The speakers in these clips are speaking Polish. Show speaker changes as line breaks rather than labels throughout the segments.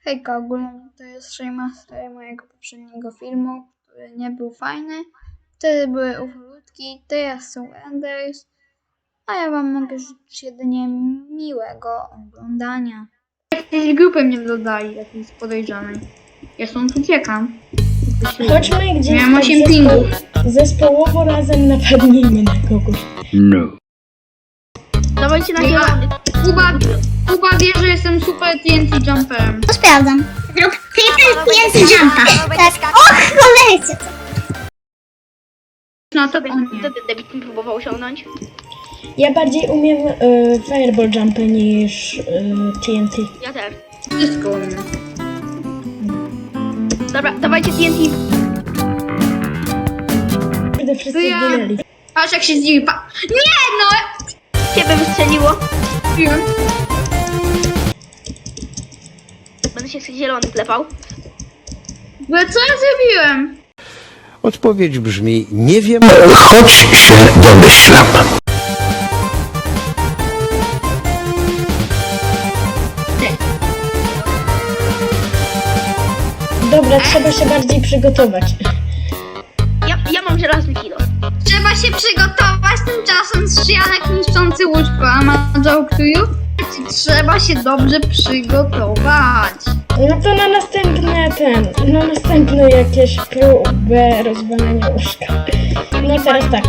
Hejka, ogólnie to jest remaster mojego poprzedniego filmu, który nie był fajny. Wtedy były ufolutki, teraz są Enders, a ja wam mogę życzyć jedynie miłego oglądania. Jakiejś grupy mnie dodali, jakiejś podejrzanej. Ja stąd uciekam.
Chodźmy gdzieś
Miałem
tak
8 pingów.
zespołowo razem napadnijmy na kogoś.
No.
Dawajcie na zielony.
Kuba wie, że jestem super TNT jumperem.
To sprawdzam. Rób triple TNT jumpa. Tak. Och, cholercie.
No to on nie.
Debit mi próbował osiągnąć.
Ja bardziej umiem fireball jumpy niż TNT.
Ja też.
Wszystko umiem.
Dobra, dawajcie TNT.
Kurde, wszyscy
To ja-
zginęli.
Patrz jak się zdziwi. Nie no!
Ciebie wystrzeliło.
Piłem.
Będę się z zielony klepał.
Bo co ja zrobiłem?
Odpowiedź brzmi: nie wiem, choć się domyślam.
Dobra, trzeba się bardziej przygotować.
Ja mam żelazny kilo.
Trzeba się przygotować, tymczasem strzyjanek niszczący łóżko, a ma joke to you? Trzeba się dobrze przygotować.
No to na następne jakieś próbę rozwalenia łóżka. No teraz tak.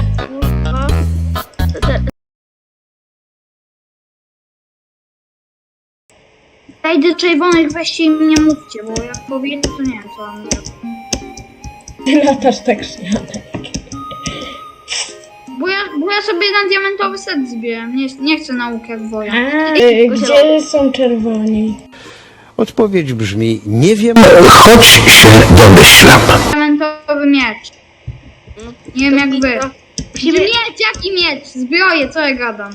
Dajcie czerwonych, weźcie im nie mówcie, bo jak powiecie, to nie wiem co mam zrobić.
Ty latasz tak śmianek.
Bo ja sobie na diamentowy set zbieram, nie chcę nauk jak woja.
Gdzie są czerwoni?
Odpowiedź brzmi: nie wiem, choć się domyślam.
Diamentowy miecz. Nie wiem jak wy.
Musimy...
Miecz, jaki miecz? Zbroję, co ja gadam?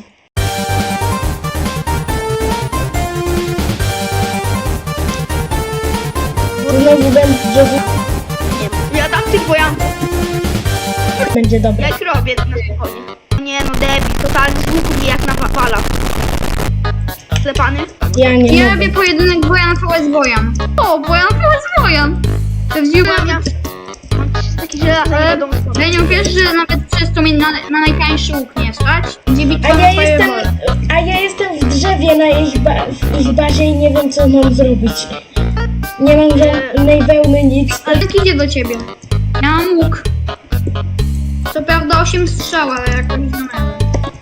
Znowu będzie,
Ja dam tych wojanków.
będzie
Ja
dobre.
ich robię na spokojnie. Nie no, debil, totalny z łuku mnie jak napala. Sklepany?
Ja nie
Ja
mogę.
robię pojedynek Bojan vs Bojan. O, Bojan vs Bojan. To wziąłem...
Mam takie żelazne, nie wiadomo co.
Lenią, wiesz, że nawet przez to mnie na najtańszy łuk nie stać? Gdzie bitwa
A
na
ja
fireball.
jestem w drzewie na w ich bazie i nie wiem co mam zrobić. Nie mam żadnej wełny, nic.
Ale jak idzie do ciebie? Ja mam łuk. Co prawda 8 strzał, ale jakoś znamy.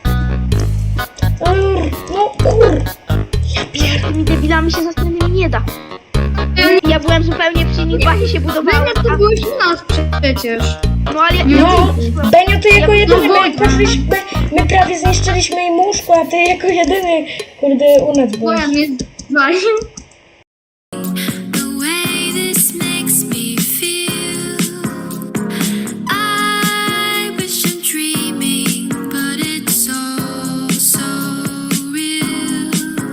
No kur...
Tymi debilami się zastanowić nie da. Ja byłem zupełnie przy nich, bazie się budowałem.
Lenia, to byłeś u nas przecież.
No ale
No, Benio, ty jako jedyny,
Wojna.
my prawie zniszczyliśmy im łóżko, a ty jako jedyny, kurde, u nas byłeś.
Bojan jest zwalił.